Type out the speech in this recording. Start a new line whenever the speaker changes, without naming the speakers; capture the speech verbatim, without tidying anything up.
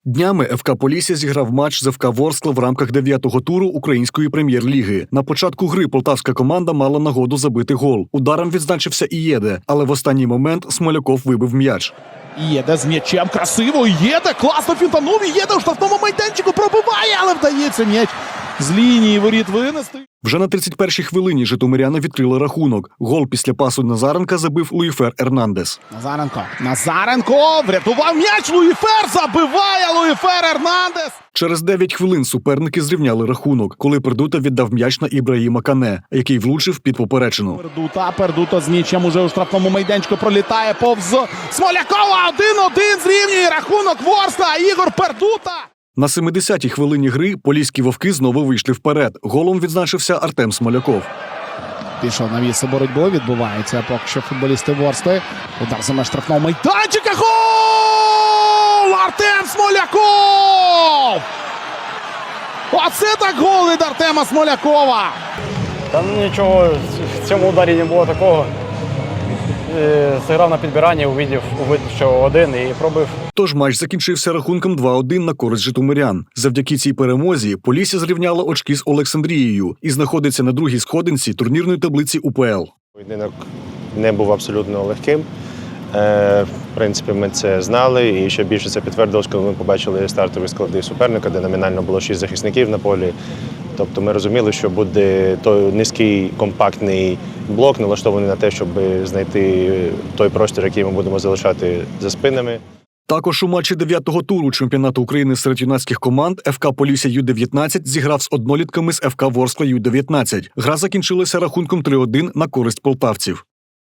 Днями еф ка «Полісся» зіграв матч з еф ка «Ворскла» в рамках дев'ятого туру Української прем'єр-ліги. На початку гри полтавська команда мала нагоду забити гол. Ударом відзначився Ієде, але в останній момент Смоляков вибив м'яч.
Ієде з м'ячем, красиво, Ієде, класно фінтанув, Ієде у штрафному майданчику пробиває, але вдається м'яч з лінії воріт винести.
Вже на тридцять першій хвилині житомиряни відкрили рахунок. Гол після пасу Назаренка забив Луїфер Ернандес.
Назаренко, Назаренко, врятував м'яч, Луїфер забиває, Луїфер Ернандес.
Через дев'ять хвилин суперники зрівняли рахунок, коли Пердута віддав м'яч на Ібраїма Кане, який влучив під поперечину.
Пердута, Пердута з м'ячем уже у штрафному майданчику пролітає повз Смолякова, один-один зрівнює рахунок Ворскла, Ігор Пердута.
На семидесятій хвилині гри поліські вовки знову вийшли вперед. Голом відзначився Артем Смоляков.
Пішов на місце боротьби, відбувається поки що футболісти Ворскли. Удар за меж штрафного майданчика, гол! Артем Смоляков! Оце так гол від Артема Смолякова!
Та ну нічого, в цьому ударі не було такого. Е, Зіграв на підбиранні, увидів, увидів, що один і пробив.
Тож матч закінчився рахунком два-один на користь житомирян. Завдяки цій перемозі Полісся зрівняло очки з Олександрією і знаходиться на другій сходинці турнірної таблиці у пе ел.
Поєдинок не був абсолютно легким. Е, В принципі, ми це знали, і ще більше це підтвердилось, коли ми побачили стартові склади суперника, де номінально було шість захисників на полі. Тобто ми розуміли, що буде той низький компактний блок, налаштований на те, щоб знайти той простір, який ми будемо залишати за спинами.
Також у матчі дев'ятого туру чемпіонату України серед юнацьких команд еф ка «Полісся ю дев'ятнадцять» зіграв з однолітками з еф ка «Ворскла» ю дев'ятнадцять. Гра закінчилася рахунком три-один на користь полтавців.